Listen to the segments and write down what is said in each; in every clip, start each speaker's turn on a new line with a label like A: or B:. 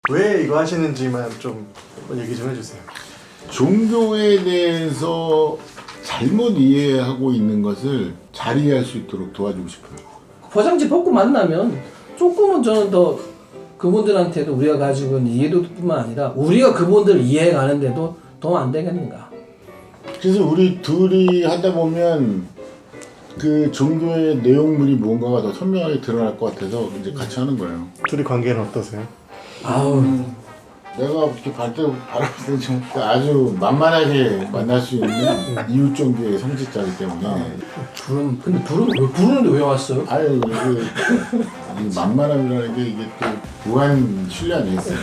A: 왜 이거 하시는지만 좀 얘기 좀 해주세요.
B: 종교에 대해서 잘못 이해하고 있는 것을 잘 이해할 수 있도록 도와주고 싶어요.
C: 포장지 벗고 만나면 조금은 저는 더 그분들한테도 우리가 가지고 있는 이해도뿐만 아니라 우리가 그분들을 이해해 가는데도 도움 안 되겠는가.
B: 그래서 우리 둘이 하다 보면 그 종교의 내용물이 뭔가가 더 선명하게 드러날 것 같아서 이제 같이 하는 거예요.
A: 둘이 관계는 어떠세요?
C: 아우
B: 내가 이렇게 바라볼 때는 좀 아주 만만하게 만날 수 있는 이웃 종교의 성직자이기 때문에
C: 근데 부르는데 왜 왔어요?
B: 아유 이 만만함이라는 게 이게 또 무한 신뢰 아니겠어요?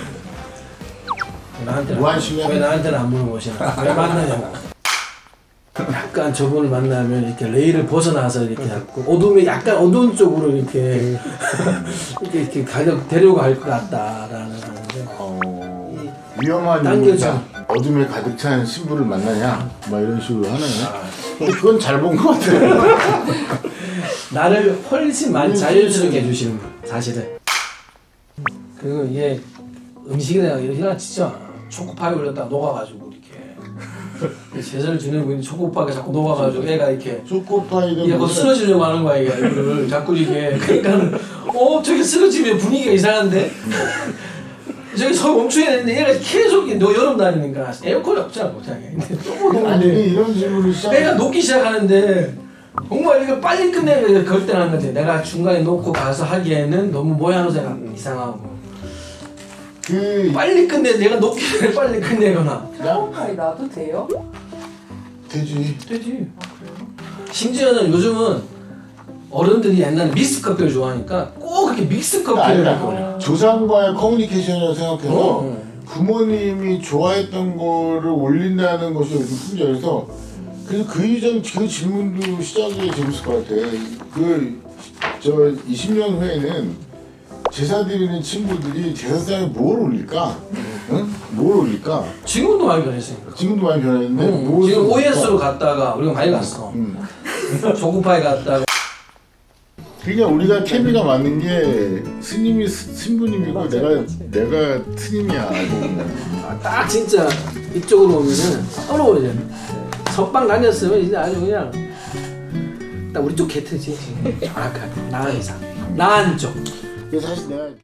B: 무한 신뢰?
C: 왜 나한테는 안 물어보시나? 왜 만나냐고. 약간 저분을 만나면 이렇게 레일을 벗어나서 이렇게 자꾸 어둠에 약간 어두운 쪽으로 이렇게 이렇게 데려고 갈 것 같다라는 건데.
B: 위험한
C: 당겨져.
B: 인물이다. 어둠에 가득 찬 신부를 만나냐? 막 이런 식으로 하네. 근데 그건 잘 본 것 같아요.
C: 나를 훨씬 많이 자연스럽게 해주시는 분 사실은. 그리고 이게 음식에다가 이렇게 진짜 초코파이 올렸다가 녹아가지고 이렇게 제자를 지내고 있는 초코파이가 자꾸 녹아가지고 애가 이렇게
B: 초코파이는
C: 얘가 쓰러지려고 하는 거야 얘가 이거를 자꾸 이렇게 그러니까는 저기 쓰러지면 분위기가 이상한데 저기 서 멈춰야 되는데 얘가 계속 여름 다니니까 에어컨이 없잖아 못하게.
B: 아니 이런 질문을
C: 애가 녹기 시작하는데 정말 이거 빨리 끝내야 그럴 때는 한 거지. 내가 중간에 놓고 가서 하기에는 너무 모양새가 이상하고 빨리 끝내 내가 녹기 전에 빨리 끝내거나.
D: 초코파이 놔도 돼요?
B: 되지.
C: 심지어는 요즘은 어른들이 옛날에 믹스 커피를 좋아하니까 꼭 그렇게 믹스 커피를 먹거든요.
B: 조상과의 커뮤니케이션이라고 생각해서 부모님이 좋아했던 거를 올린다는 것이 요즘 풍자여서 그래서 그 이전 그 질문도 시작이 재밌을 것 같아. 20년 후에는 제사 드리는 친구들이 제사상에 뭘 올릴까? 응? 뭘 올릴까?
C: 지금도 많이 변했으니까.
B: 지금도 많이 변했는데
C: 지금 OS로 갔다가 우리가 많이 갔어. 초코파이 갔다가.
B: 그러니까 우리가 케미가 맞는 게 스님이 신부님이고 내가 스님이야.
C: 딱 진짜 이쪽으로 오면은 서러워져. 선방 다녔으면 이제 아주 그냥 딱 우리 쪽 개트지. 정확하게 나은 이상 나은 쪽.
B: 그래서 사실 내가